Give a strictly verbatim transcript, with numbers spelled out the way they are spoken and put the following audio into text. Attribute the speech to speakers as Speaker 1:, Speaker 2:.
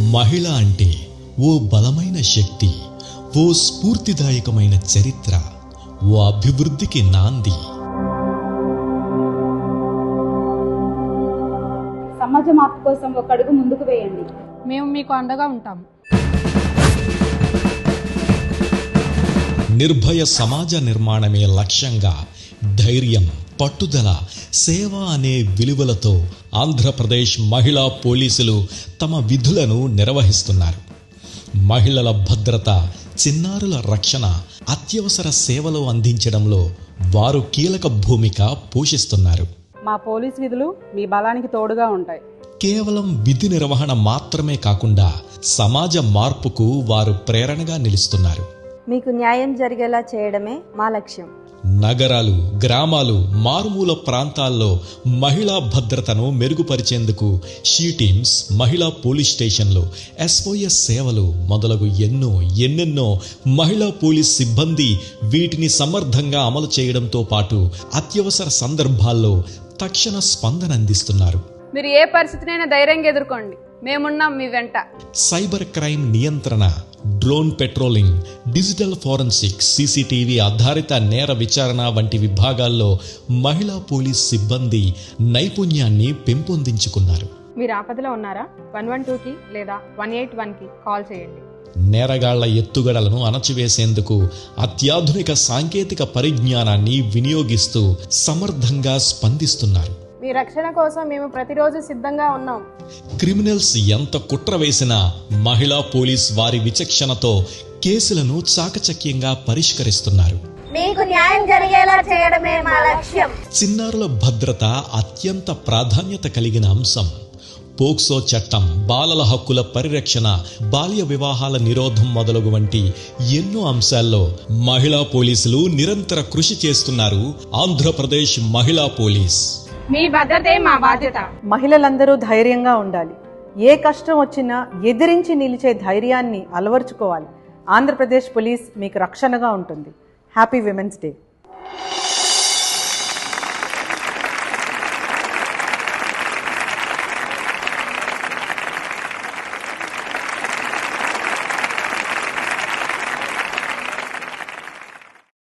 Speaker 1: మహిళ అంటే ఓ బలమైన శక్తి, ఓ స్ఫూర్తిదాయకమైన చరిత్ర, ఓ అభివృద్ధికి నాంది.
Speaker 2: సమాజ మార్పు కోసం ఒక అడుగు ముందుకు వేయండి.
Speaker 3: మేము మీకు అండగా ఉంటాం.
Speaker 1: నిర్భయ సమాజ నిర్మాణమే లక్ష్యంగా ధైర్యం, పట్టుదల, సేవ అనే విలువలతో ఆంధ్రప్రదేశ్ మహిళా పోలీసులు తమ విధులను నిర్వహిస్తున్నారు. మహిళల భద్రత, చిన్నారుల రక్షణ, అత్యవసర సేవలు అందించడంలో వారు కీలక భూమిక పోషిస్తున్నారు.
Speaker 2: మా పోలీస్ విధులు మీ బలానికి తోడుగా ఉంటాయి.
Speaker 1: కేవలం విధి నిర్వహణ మాత్రమే కాకుండా సమాజ మార్పుకు వారు ప్రేరణగా నిలుస్తున్నారు.
Speaker 4: మీకు న్యాయం జరిగేలా చేయడమే మా లక్ష్యం.
Speaker 1: నగరాలు, గ్రామాలు, మారుమూల ప్రాంతాల్లో మహిళా భద్రతను మెరుగుపరిచేందుకు షీ టీమ్స్, మహిళా పోలీస్ స్టేషన్లు, ఎస్ఓఎస్ సేవలు మొదలగు ఎన్నో ఎన్నెన్నో మహిళా పోలీస్ సిబ్బంది వీటిని సమర్థంగా అమలు చేయడంతో పాటు అత్యవసర సందర్భాల్లో తక్షణ స్పందన అందిస్తున్నారు.
Speaker 3: మీరు ఏ పరిస్థితినైనా ధైర్యంగా ఎదుర్కోండి, మేమున్నాం మీ వెంట.
Speaker 1: సైబర్ క్రైమ్ నియంత్రణ, drone patrolling, digital forensic, CCTV ఆధారిత నేర విచారణ వంటి విభాగాల్లో మహిళా పోలీస్ సిబ్బంది నైపుణ్యాన్ని పెంపొందించుకున్నారు.
Speaker 3: మీరు ఆపదలో ఉన్నారా? వన్ వన్ టూకి లేదా వన్ ఎయిట్ వన్కి కాల్ చేయండి.
Speaker 1: నేరగాళ్ల ఎత్తుగడలను అణచివేసేందుకు అత్యాధునిక సాంకేతిక పరిజ్ఞానాన్ని వినియోగిస్తూ సమర్థంగా స్పందిస్తున్నారు.
Speaker 3: మీ రక్షణ కోసం మేము ప్రతిరోజు సిద్ధంగా ఉన్నాం.
Speaker 1: క్రిమినల్స్ ఎంత కుట్ర వేసినా మహిళా పోలీస్ వారి విచక్షణతో కేసులను చాకచక్యంగా పరిష్కరిస్తున్నారు.
Speaker 4: మీకు న్యాయం జరిగేలా చేయడమే మా లక్ష్యం.
Speaker 1: చిన్నారుల భద్రత అత్యంత ప్రాధాన్యత కలిగిన అంశం. పోక్సో చట్టం, బాలల హక్కుల పరిరక్షణ, బాల్య వివాహాల నిరోధం మొదలగు వంటి ఎన్నో అంశాల్లో మహిళా పోలీసులు నిరంతర కృషి చేస్తున్నారు. ఆంధ్రప్రదేశ్ మహిళా పోలీస్.
Speaker 3: మీ భద్రతే మా బాధ్యత.
Speaker 5: మహిళలందరూ ధైర్యంగా ఉండాలి. ఏ కష్టం వచ్చినా ఎదిరించి నిలిచే ధైర్యాన్ని అలవర్చుకోవాలి. ఆంధ్రప్రదేశ్ పోలీస్ మీకు రక్షణగా ఉంటుంది. Happy women's day.